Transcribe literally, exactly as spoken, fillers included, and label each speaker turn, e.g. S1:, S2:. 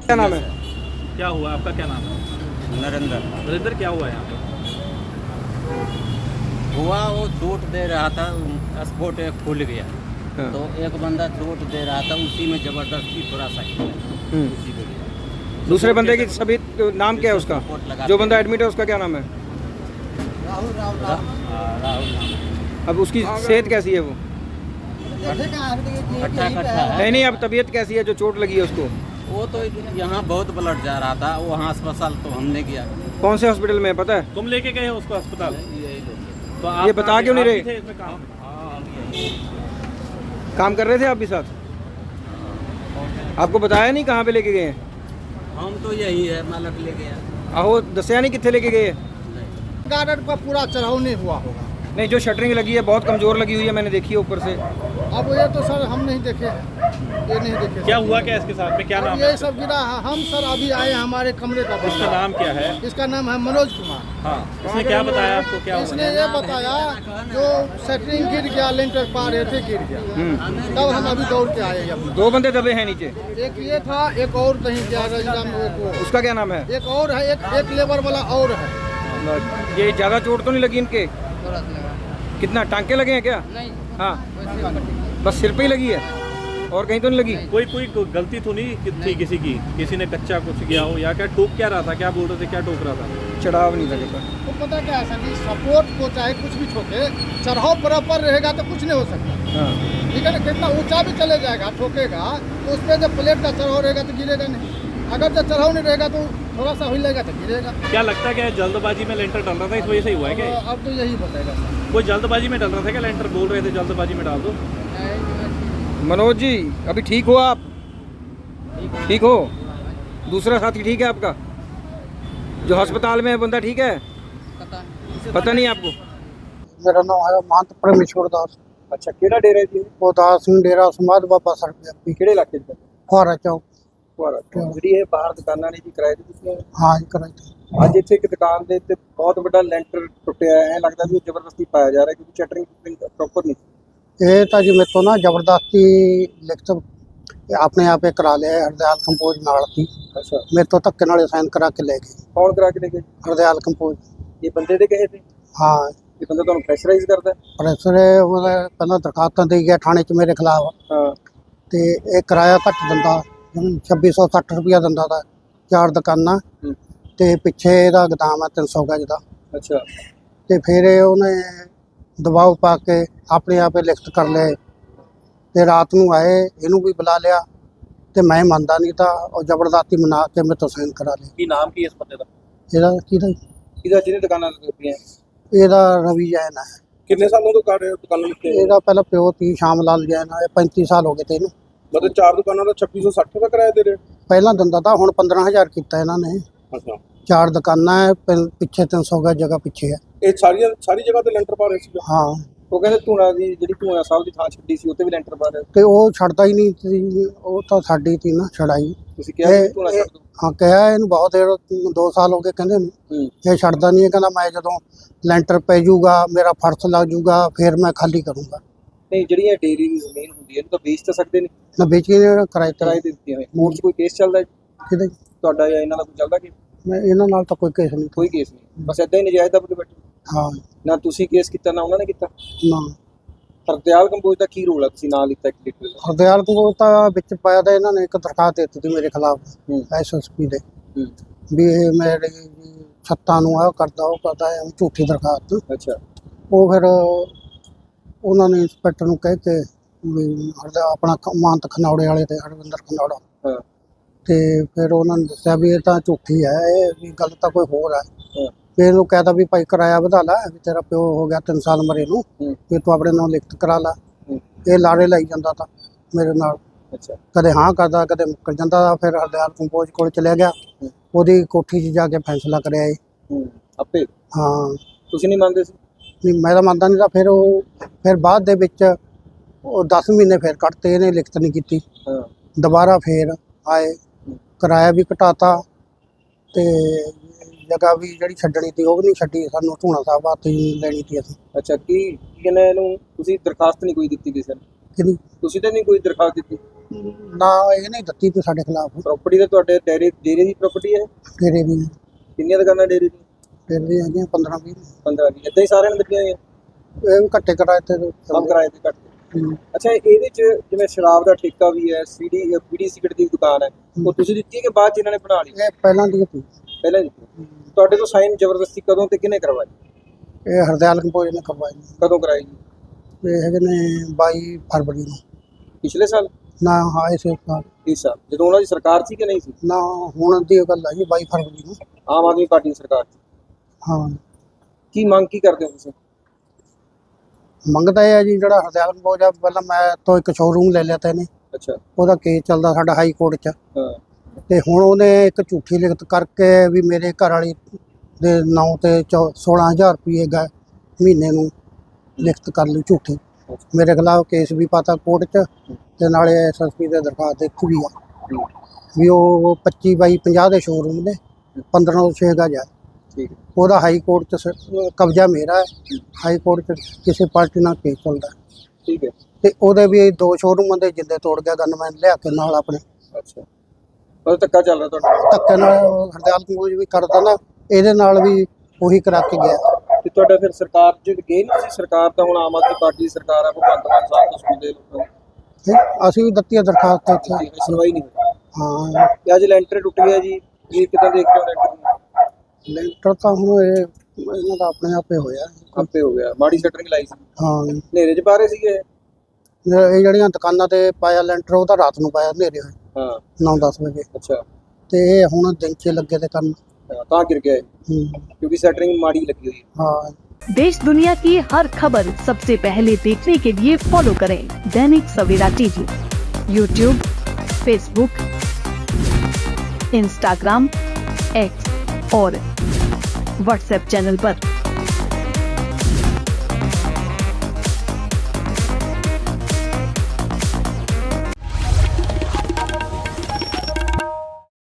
S1: क्या नाम है?
S2: क्या हुआ? आपका क्या नाम है?
S3: नरेंद्र।
S2: नरेंद्र, क्या हुआ यहाँ पे?
S3: हुआ वो चोट दे रहा था, स्पोर्ट एक खुल गया।
S1: हाँ।
S3: तो एक बंदा चोट दे रहा था, उसी में जबरदस्ती थोड़ा सा किया,
S1: हम्म।
S3: उसी को लिया।
S1: दूसरे बंदे की सभी नाम क्या है उसका?
S3: चोट लगा
S1: जो बंदा एडमिट है उसका क्या नाम है?
S3: राहुल राहुल रा- हाँ, राहुल नाम।
S1: अब उसकी सेहत कैसी है वो?
S3: खट्टा खट्टा है।
S1: नहीं नहीं, अब तबीयत कैसी है जो चोट लगी है उसको?
S3: वो तो यहाँ बहुत ब्लड जा रहा था, वहाँ अस्पताल तो हमने गया।
S1: कौन से हॉस्पिटल में है पता है?
S2: तुम लेके गए हो उसको अस्पताल?
S3: यही लोग।
S2: तो
S1: ये बता क्यों नहीं
S2: आप
S1: रहे?
S2: भी थे इसमें काम?
S3: हाँ, हम यही।
S1: काम कर रहे थे आप भी साथ? आपको बताया नहीं कहाँ पे लेके गए हैं?
S3: हम तो यही है, मालक ले गया।
S1: आहो दसिया नहीं कितने लेके गए?
S4: गार्डन पर पूरा चढ़ाव नहीं हुआ होगा।
S1: नहीं, जो शटरिंग लगी है बहुत कमजोर लगी हुई है, मैंने देखी है ऊपर से।
S4: अब ये तो सर हम नहीं देखे, ये नहीं देखे।
S2: क्या हुआ क्या इसके साथ में? क्या नाम
S4: अब
S2: है?
S4: ये सब गिरा है। हम सर अभी आए हैं हमारे कमरे का
S2: इसका
S4: बंदा।
S2: नाम क्या है?
S4: इसका नाम है मनोज कुमार।
S2: हाँ, इसने क्या बताया आपको? क्या
S4: इसने
S2: हुआ?
S4: ये बताया जो सेटरिंग गिर गया, लेंटर पा रहे थे गिर गया,
S1: हम्म।
S4: तब हम अभी दौड़ के आए हैं।
S1: दो बंदे दबे हैं नीचे।
S4: एक ये था, एक और कहीं गया रजला में, एक और-
S1: उसका क्या नाम है?
S4: एक और है, एक एक लेबर वाला और है।
S1: ये ज्यादा चोट तो नहीं लगी इनके? कितना टांके लगे हैं क्या?
S4: नहीं,
S1: हाँ, बस सिर पे ही लगी है और कहीं तो नहीं लगी?
S2: कोई कोई कोई गलती तो नहीं कि थी किसी की? किसी ने कच्चा कुछ किया हो या क्या ठोक क्या रहा था? क्या बोल रहे थे? क्या ठोक रहा था?
S1: चढ़ाव नहीं लगेगा।
S4: तो पता क्या है सर, कि सपोर्ट को चाहे कुछ भी ठोके, चढ़ाव बराबर रहेगा तो कुछ नहीं हो सकता।
S1: हाँ।
S4: ठीक है ना, कितना ऊंचा भी चले जाएगा, ठोकेगा तो उस पर जब प्लेट का चढ़ाव रहेगा तो गिरेगा नहीं। अगर जब चढ़ाव नहीं रहेगा तो थोड़ा सा हिलेगा तो गिरेगा।
S2: क्या लगता है क्या जल्दबाजी में लेंटर डल रहा था, इस वजह से ही हुआ है क्या?
S4: अब अब तो यही बताएगा सर।
S2: कोई जल्दबाजी में डल रहा था क्या? लेंटर बोल रहे थे जल्दबाजी में डाल दो।
S1: मनोज जी, अभी ठीक हो आप? ठीक हो? दूसरा साथी ठीक है आपका जो अस्पताल में है, बंदा ठीक है? पता नहीं आपको?
S4: मेरा नाम है महंत परमेश्वर दास।
S1: अच्छा, ਕਿਹੜਾ ਡੇਰਾ ਜੀ?
S4: ਉਹ ਦਾਸ ਸਿੰਘ ਡੇਰਾ ਸਮਾਧ ਬਾਬਾ ਸਰ ਪੰਜਾਬੀ
S1: ਕਿਹੜੇ ਇਲਾਕੇ 'ਚ?
S4: ਫੁਹਾਰਾ ਚੌਕ।
S1: ਫੁਹਾਰਾ। ਜਿਹੜੀ ਇਹ ਬਾਹਰ ਦੁਕਾਨਾਂ ਨੇ ਜੀ ਕਿਰਾਏ ਤੇ ਦਿੱਤੀਆਂ ਨੇ?
S4: ਹਾਂ ਜੀ, ਕਰਾਈ ਤੇ।
S1: ਅੱਜ ਇੱਥੇ ਇੱਕ ਦੁਕਾਨ ਦੇ ਉੱਤੇ ਬਹੁਤ ਵੱਡਾ ਲੈਂਟਰ ਟੁੱਟਿਆ ਹੈ, ਐਂ ਲੱਗਦਾ ਵੀ ਉਹ ਜ਼ਬਰਦਸਤੀ ਪਾਇਆ ਜਾ ਰਿਹਾ ਕਿਉਂਕਿ ਚਟਰਿੰਗ ਪ੍ਰੋਪਰ ਨਹੀਂ।
S4: ਇਹ ਤਾਂ ਜੀ ਮੇਰੇ ਤੋਂ ਨਾ ਜ਼ਬਰਦਸਤੀ ਲਿਖਤ ਆਪਣੇ ਆਪੇ ਕਰਾ ਲਿਆ, ਹਰਦਿਆਲ ਕੰਪੋਜ਼ ਨਾਲ ਸੀ।
S1: ਅੱਛਾ,
S4: ਮੇਰੇ ਤੋਂ ਧੱਕੇ ਨਾਲੇ ਸਾਈਨ ਕਰਾ ਕੇ ਲੈ ਗਏ
S1: ਕੌਣ ਕਰਾ ਕੇ ਲੈ ਗਏ?
S4: ਹਰਦਿਆਲ ਕੰਪੋਜ਼।
S1: ਇਹ ਬੰਦੇ ਦੇ ਕਹੇ ਤੇ
S4: ਹਾਂ,
S1: ਇਹ ਬੰਦਾ ਤੁਹਾਨੂੰ ਪ੍ਰੈਸ਼ਰਾਈਜ਼ ਕਰਦਾ ਹੈ?
S4: ਪ੍ਰੈਸਰ ਉਹਦਾ ਪਹਿਲਾਂ ਦਰਖਾਸਤਾਂ ਦੇ ਗਿਆ ਥਾਣੇ 'ਚ ਮੇਰੇ ਖਿਲਾਫ,
S1: ਹਾਂ।
S4: ਤੇ ਇਹ ਕਿਰਾਇਆ ਘੱਟ ਦਿੰਦਾ, ਜਿਵੇਂ ਛੱਬੀ ਸੌ ਸੱਠ ਰੁਪਇਆ ਦਿੰਦਾ ਤਾ, ਚਾਰ ਦੁਕਾਨਾਂ
S1: ਹੂੰ।
S4: ਤੇ ਪਿੱਛੇ ਇਹਦਾ ਗਦਾਮ ਹੈ ਤਿੰਨ ਸੌ ਗਜ ਦਾ।
S1: ਅੱਛਾ,
S4: ਤੇ ਫਿਰ ਇਹ ਉਹਨੇ ਦਬਾਅ ਪਾ ਕੇ ਆਪਣੇ ਆਪੇ ਲਿਖਤ ਕਰ ਲਏ ਤੇ ਰਾਤ ਨੂੰ ਆਏ, ਇਹਨੂੰ ਵੀ ਬੁਲਾ ਲਿਆ ਤੇ ਮੈਂ ਮੰਨਦਾ ਨਹੀਂ ਤਾਂ ਉਹ ਜ਼ਬਰਦਸਤੀ ਮਨਾ ਕੇ ਮੇਰੇ ਤੋਂ ਸਾਈਨ ਕਰਾ ਲਏ।
S1: ਕੀ ਨਾਮ ਕੀ ਇਸ ਬੰਦੇ ਦਾ?
S4: ਇਹਦਾ ਕਿਹਦਾ
S1: ਕਿਹਦਾ ਜਿਹਨੇ ਦੁਕਾਨਾਂ ਦਿੱਤੀਆਂ?
S4: ਇਹਦਾ ਰਵੀ ਜੈਨ ਹੈ।
S1: ਕਿੰਨੇ ਸਾਲਾਂ ਤੋਂ ਕਰ ਰਹੇ ਹੋ ਦੁਕਾਨਾਂ ਲਿਖਤੇ?
S4: ਇਹਦਾ ਪਹਿਲਾਂ ਪਿਓ ਤੀ ਸ਼ਾਮ ਲਾਲ ਜੈਨ ਹੈ, ਪੈਂਤੀ ਸਾਲ ਹੋ ਗਏ ਤੇ ਇਹਨੂੰ।
S1: ਮਤਲਬ ਚਾਰ ਦੁਕਾਨਾਂ ਦਾ ਛੱਬੀ ਸੌ ਸੱਠ ਦਾ ਕਿਰਾਇਆ ਦੇ ਰਹੇ?
S4: ਪਹਿਲਾਂ ਦਿੰਦਾ ਤਾਂ ਹੁਣ ਪੰਦਰਾਂ ਹਜ਼ਾਰ ਕੀਤਾ ਇਹਨਾਂ ਨੇ।
S1: ਅੱਛਾ,
S4: ਚਾਰ ਦੁਕਾਨਾਂ ਹੈ, ਪਿੰ- ਪਿੱਛੇ ਤਿੰਨ ਸੌ ਗਜ ਜਗ੍ਹਾ ਪਿੱਛੇ ਹੈ।
S1: ਇਹ ਸਾਰੀਆਂ ਸਾਰੀ ਜਗ੍ਹਾ ਤੇ ਲੈਂਟਰ ਪਾ ਰਹੇ ਸੀ?
S4: ਹਾਂ,
S1: ਉਹ ਕਹਿੰਦੇ ਧੂਣਾ ਦੀ ਜਿਹੜੀ ਧੂਣਾ ਸਾਹਿਬ ਦੀ ਥਾਂ ਛੱਡੀ ਸੀ ਉੱਤੇ ਵੀ ਲੈਂਟਰ ਪਾ ਰਹੇ।
S4: ਤੇ ਉਹ ਛੱਡਦਾ ਹੀ ਨਹੀਂ ਸੀ, ਉਹ ਤਾਂ ਸਾਡੀ ਤੀ ਨਾ ਛੜਾਈ।
S1: ਤੁਸੀਂ ਕਿਹਾ ਵੀ ਧੂਣਾ
S4: ਇਹ-
S1: ਛੱਡ ਦਿਓ?
S4: ਹਾਂ, ਕਿਹਾ ਇਹਨੂੰ ਬਹੁਤ ਦੇਰ, ਦੋ ਸਾਲ ਹੋ ਗਏ ਕਹਿੰਦੇ ਨੂੰ।
S1: ਹੂੰ।
S4: ਇਹ ਛੱਡਦਾ ਨਹੀਂ ਹੈ, ਕਹਿੰਦਾ ਮੈਂ ਜਦੋਂ ਲੈਂਟਰ ਪੈ ਜਾਊਗਾ, ਮੇਰਾ ਫਰਸ਼ ਲੱਗ ਜਾਊਗਾ, ਫਿਰ ਮੈਂ ਖਾਲੀ ਕਰੂੰਗਾ।
S1: ਨਹੀਂ, ਜਿਹੜੀਆਂ ਡੇਰੀ ਦੀ ਜ਼ਮੀਨ ਹੁੰਦੀ ਹੈ ਇਹਨੂੰ ਤਾਂ ਵੇਚ ਤਾਂ ਸਕਦੇ ਨਹੀਂ,
S4: ਮੈਂ ਵੇਚ ਕੇ ਕਿਰਾਏ ਤੇ
S1: ਕਿਰਾਏ ਤੇ ਦਿੱਤੀਆਂ ਹੋਈਆਂ। ਕੋਰਟ 'ਚ ਕੋਈ ਕੇਸ ਚੱਲਦਾ ਹੈ
S4: ਕਿਤੇ
S1: ਤੁਹਾਡਾ ਜਾਂ ਇਹਨਾਂ ਦਾ ਕੋਈ ਚੱਲਦਾ ਕਿ
S4: ਮੈਂ ਇਹਨਾਂ ਨਾਲ ਤਾਂ ਕੋਈ ਕੇਸ ਨਹੀਂ।
S1: ਕੋਈ ਕੇਸ ਨਹੀਂ, ਬਸ ਏਦਾਂ ਹੀ ਨਜਾਇਜ਼ ਦਾ ਬੈਠੇ?
S4: ਹਾਂ,
S1: ਨਾ ਤੁਸੀਂ ਕੇਸ ਕੀਤਾ ਨਾ ਉਹਨਾਂ ਨੇ ਕੀਤਾ।
S4: ਨਾ
S1: ਹਰਦਿਆਲ ਕੰਬੋਜ ਦਾ ਕੀ ਰੋਲ ਹੈ? ਤੁਸੀਂ ਨਾਂ ਲਿੱਤਾ ਇੱਕ ਲੀਟਰ ਦਾ।
S4: ਹਰਦਿਆਲ ਕੋਲ ਤਾਂ ਵਿੱਚ ਪਾਇਆ ਤਾਂ ਇਹਨਾਂ ਨੇ ਇੱਕ ਦਰਖਾਸਤ ਦੇ ਦਿੱਤੀ ਮੇਰੇ ਖਿਲਾਫ
S1: ਹੂੰ।
S4: ਐਸ ਐਸ ਪੀ ਦੇ,
S1: ਹੂੰ।
S4: ਵੀ ਇਹ ਮੇਰੇ ਛੱਤਾਂ ਨੂੰ ਆਹ ਕਰਦਾ ਉਹ ਕਰਦਾ ਹੈ, ਝੂਠੀ ਦਰਖਾਸਤ।
S1: ਅੱਛਾ,
S4: ਉਹ ਫਿਰ ਉਹਨਾਂ ਨੇ ਇੰਸਪੈਕਟਰ ਨੂੰ ਕਹਿ ਕੇ ਵੀ ਹਰਦਾ ਆਪਣਾ ਖ- ਮਾਨਤ ਖਨੌੜੇ ਵਾਲੇ ਤੇ ਹਰਵਿੰਦਰ ਖਨੌੜਾ,
S1: ਹਾਂ,
S4: ਤੇ ਫਿਰ ਉਹਨਾਂ ਨੇ ਦੱਸਿਆ ਵੀ ਇਹ ਤਾਂ ਝੂਠੀ ਹੈ, ਇਹ ਵੀ ਗੱਲ ਤਾਂ ਕੋਈ ਹੋਰ ਹੈ।
S1: ਹਾਂ,
S4: ਫਿਰ ਇਹਨੂੰ ਕਹਿਤਾ ਵੀ ਭਾਈ ਕਿਰਾਇਆ ਵਧਾ ਲੈ, ਵੀ ਤੇਰਾ ਪਿਓ ਹੋ ਗਿਆ ਤਿੰਨ ਸਾਲ ਮਰੇ ਨੂੰ,
S1: ਹੂੰ।
S4: ਵੀ ਤੂੰ ਆਪਣੇ ਨਾਲ ਲਿਖਤ ਕਰਾ ਲਾ।
S1: ਹੂੰ।
S4: ਇਹ ਲਾੜੇ ਲਾਈ ਜਾਂਦਾ ਤਾਂ ਮੇਰੇ ਨਾਲ,
S1: ਅੱਛਾ,
S4: ਕਦੇ ਹਾਂ ਕਰਦਾ ਕਦੇ ਮੁੱਕਰ ਜਾਂਦਾ। ਫਿਰ ਹਰਦਿਆਲ ਕੰਪੋਜ਼ ਕੋਲ ਚਲਿਆ ਗਿਆ,
S1: ਹੂੰ।
S4: ਉਹਦੀ ਕੋਠੀ 'ਚ ਜਾ ਕੇ ਫੈਸਲਾ ਕਰਿਆ ਇਹ।
S1: ਹੂੰ। ਆਪੇ
S4: ਹਾਂ,
S1: ਤੁਸੀਂ ਨਹੀਂ ਮੰਨਦੇ ਸੀ?
S4: ਨਹੀਂ ਮੈਂ ਤਾਂ ਮੰਨਦਾ ਨਹੀਂ ਤਾਂ ਫਿਰ ਉਹ ਫਿਰ ਬਾਅਦ ਦੇ ਵਿੱਚ ਉਹ ਦਸ ਮਹੀਨੇ ਫਿਰ ਕੱਟਤੇ, ਇਹਨੇ ਲਿਖਤ ਨਹੀਂ ਕੀਤੀ।
S1: ਹਾਂ,
S4: ਦੁਬਾਰਾ ਫਿਰ ਆਏ, ਕਿਰਾਇਆ ਵੀ ਘਟਾਤਾ ਤੇ ਜਗ੍ਹਾ ਵੀ ਜਿਹੜੀ ਛੱਡਣੀ ਸੀ ਉਹ ਵੀ ਨਹੀਂ ਛੱਡੀ, ਸਾਨੂੰ ਧੂਣਾ ਸਾਹਿਬ ਵਾਸਤੇ ਹੀ ਲੈਣੀ ਸੀ ਅਸੀਂ।
S1: ਅੱਛਾ, ਕੀ ਕੀ ਕਹਿੰਦੇ ਇਹਨੂੰ ਤੁਸੀਂ ਦਰਖਾਸਤ ਨਹੀਂ ਕੋਈ ਦਿੱਤੀ ਕਿਸੇ ਨੇ?
S4: ਕਿਹਦੀ?
S1: ਤੁਸੀਂ ਤਾਂ ਨਹੀਂ ਕੋਈ ਦਰਖਾਸਤ ਦਿੱਤੀ?
S4: ਨਾ ਇਹ ਨਹੀਂ ਦਿੱਤੀ ਤੇ ਸਾਡੇ ਖਿਲਾਫ
S1: ਪ੍ਰਾਪਰਟੀ ਤਾਂ ਤੁਹਾਡੇ ਡੇਰੇ ਡੇਰੇ ਦੀ ਪ੍ਰਾਪਰਟੀ ਹੈ?
S4: ਡੇਰੇ ਦੀ
S1: ਕਿੰਨੀਆਂ ਦੁਕਾਨਾਂ ਡੇਰੇ ਦੀ?
S4: ਡੇਰੇ ਦੀ ਹੈਗੀਆਂ ਪੰਦਰਾਂ ਵੀਹ
S1: ਪੰਦਰਾਂ ਵੀਹ ਇੱਦਾਂ ਹੀ ਸਾਰਿਆਂ ਨੇ ਦਿੱਤੀਆਂ ਹੋਈਆਂ?
S4: ਇਹ ਵੀ ਘੱਟੇ ਕਿਰਾਏ ਤੇ
S1: ਕੰਮ ਕਿਰਾਏ ਤੇ ਘੱਟ?
S4: ਹੂੰ।
S1: ਅੱਛਾ, ਇਹਦੇ ਚ ਜਿਵੇਂ ਸ਼ਰਾਬ ਦਾ ਠੇਕਾ ਵੀ ਹੈ, ਸੀਡੀ ਬੀੜੀ ਸਿਗਰਟ ਦੀ ਦੁਕਾਨ ਹੈ, ਉਹ ਤੁਸੀਂ ਦਿੱਤੀ ਹੈ ਕਿ ਬਾਅਦ ਚ ਇਹਨਾਂ ਨੇ ਬਣਾ ਲਈ?
S4: ਇਹ ਪਹਿਲਾਂ ਦੀ ਸੀ।
S1: ਪਹਿਲਾਂ ਦਿੱਤੀ। ਤੁਹਾਡੇ ਤੋਂ ਸਾਈਨ ਜ਼ਬਰਦਸਤੀ ਕਦੋਂ ਤੇ ਕਿਹਨੇ ਕਰਵਾਈ?
S4: ਇਹ ਹਰਦਿਆਲ ਕੰਪੋਜ ਨੇ ਕਰਵਾਈ ਨੇ।
S1: ਕਦੋਂ ਕਰਾਈ ਜੀ?
S4: ਇਹ ਹੈਗੇ ਨੇ ਬਾਈ ਫਰਵਰੀ ਨੂੰ।
S1: ਪਿਛਲੇ ਸਾਲ?
S4: ਨਾ ਹਾਂ ਇਸੇ ਸਾਲ
S1: ਇਸ ਸਾਲ ਜਦੋਂ ਉਹਨਾਂ ਦੀ ਸਰਕਾਰ ਸੀ ਕਿ ਨਹੀਂ ਸੀ?
S4: ਨਾ ਹੁਣ ਦੀ ਗੱਲ ਹੈ ਜੀ ਬਾਈ ਫਰਵਰੀ ਨੂੰ।
S1: ਆਮ ਆਦਮੀ ਪਾਰਟੀ ਦੀ ਸਰਕਾਰ ਸੀ।
S4: ਹਾਂ
S1: ਕੀ ਮੰਗ ਕੀ ਕਰਦੇ ਹੋ ਤੁਸੀਂ?
S4: ਮੰਗਦਾ ਇਹ ਹੈ ਜੀ ਜਿਹੜਾ ਹਰਦਿਆਲ ਕੰਪੋਜ ਆ, ਪਹਿਲਾਂ ਮੈਂ ਤੋਂ ਇੱਕ ਸ਼ੋਰੂਮ ਲੈ ਲਿਆ ਤਾ ਇਹਨੇ,
S1: ਅੱਛਾ।
S4: ਉਹਦਾ ਕੇਸ ਚੱਲਦਾ ਸਾਡਾ ਹਾਈ ਕੋਰਟ 'ਚ,
S1: ਹਾਂ।
S4: ਤੇ ਹੁਣ ਉਹਨੇ ਇੱਕ ਝੂਠੀ ਲਿਖਤ ਕਰਕੇ ਵੀ ਮੇਰੇ ਘਰ ਵਾਲੀ ਦੇ ਨਾਂ ਤੇ ਚੌ ਸੋਲਾਂ ਹਜ਼ਾਰ ਰੁਪਏ ਗਾ ਮਹੀਨੇ ਨੂੰ ਲਿਖਤ ਕਰ ਲਈ ਝੂਠੀ। ਮੇਰੇ ਖਿਲਾਫ ਕੇਸ ਵੀ ਪਾਤਾ ਕੋਰਟ 'ਚ, ਤੇ ਨਾਲੇ ਐਸ ਐਸ ਪੀ ਦੇ ਦਰਖਾਸਤ ਦਿੱਤੀ ਵੀ ਆ ਵੀ ਉਹ ਪੱਚੀ ਬਾਈ ਪੰਜਾਹ ਦੇ ਸ਼ੋਰੂਮ ਨੇ, ਪੰਦਰਾਂ ਤੋਂ ਛੇ ਗਜ ਆ।
S1: ਠੀਕ ਹੈ।
S4: ਉਹਦਾ ਹਾਈ ਕੋਰਟ 'ਚ ਸ- ਕਬਜ਼ਾ ਮੇਰਾ ਹੈ, ਹਾਈ ਕੋਰਟ 'ਚ ਕਿਸੇ ਪਾਰਟੀ ਨਾਲ ਕੇਸ ਚੱਲਦਾ।
S1: ਠੀਕ ਹੈ।
S4: ਤੇ ਉਹਦੇ ਵੀ ਦੋ ਸ਼ੋਰੂਮਾਂ ਦੇ ਜਿੰਦੇ ਤੋੜ ਗਿਆ ਗਨਮੈਨ ਲਿਆ ਕੇ ਨਾਲ ਆਪਣੇ।
S1: ਅੱਛਾ, ਉਹ ਧੱਕਾ ਚੱਲ ਰਿਹਾ ਤੁਹਾਡਾ?
S4: ਧੱਕੇ ਨਾਲ ਹਰਦਿਆਲ ਕੰਪੋਜ ਵੀ ਕਰਦਾ ਨਾ, ਇਹਦੇ ਨਾਲ ਵੀ ਉਹੀ ਕਰਾ ਕੇ ਗਿਆ।
S1: ਤੇ ਤੁਹਾਡਾ ਫਿਰ ਸਰਕਾਰ ਚ ਗਏ ਨਹੀਂ ਸੀ? ਸਰਕਾਰ ਤਾਂ ਹੁਣ ਆਮ ਆਦਮੀ ਪਾਰਟੀ ਦੀ ਸਰਕਾਰ ਹੈ, ਭਗਵੰਤ ਮਾਨ ਸਾਹਿਬ ਤੋਂ ਸੁਣਦੇ ਲੋਕਾਂ ਨੂੰ।
S4: ਤੇ ਅਸੀਂ ਵੀ ਦਿੱਤੀ ਆ ਦਰਖਾਸਤ ਇੱਥੇ।
S1: ਠੀਕ ਹੈ, ਸੁਣਵਾਈ ਨਹੀਂ ਹੋਈ।
S4: ਹਾਂ
S1: ਤੇ ਅੱਜ ਲੈਂਟਰ ਟੁੱਟ ਗਿਆ ਜੀ, ਇਹ ਕਿੱਦਾਂ ਦੇਖ ਰਹੇ ਹੋ ਲੈਂਟਰ ਨੂੰ?
S4: ਲੈਂਟਰ ਤਾਂ ਹੁਣ ਇਹ ਇਹਨਾਂ ਦਾ ਆਪਣੇ ਆਪੇ ਹੋਇਆ।
S1: ਆਪੇ ਹੋ ਗਿਆ, ਮਾੜੀ ਸ਼ਟਰਿੰਗ ਲਾਈ ਸੀ,
S4: ਹਾਂ
S1: ਹਨੇਰੇ ਚ ਪਾ ਰਹੇ ਸੀਗੇ?
S4: ਇਹ ਜਿਹੜੀਆਂ ਦੁਕਾਨਾਂ ਤੇ ਪਾਇਆ ਲੈਂਟਰ ਉਹ ਤਾਂ ਰਾਤ ਨੂੰ ਪਾਇਆ ਹਨੇਰੇ ਹੋਏ
S1: ਹਾਂ।
S4: ਨੌ ਦਸ ਵਜੇ,
S1: ਅੱਛਾ।
S4: ਤੇ ਇਹ ਹੁਣ ਦਿਨ 'ਚ ਲੱਗੇ ਤੇ ਕਰਨ।
S1: ਹਾਂ, ਤਾਂ ਗਿਰ ਗਿਆ ਇਹ,
S4: ਹੂੰ।
S1: ਕਿਉਂਕਿ ਸ਼ਟਰਿੰग ਮਾੜੀ ਲੱਗੀ हुई है।
S4: हाँ।
S5: देश दुनिया की हर खबर सबसे पहले देखने के लिए फॉलो करें Dainik Savera TV, YouTube, Facebook, Instagram, X और व्हाट्सएप चैनल पर।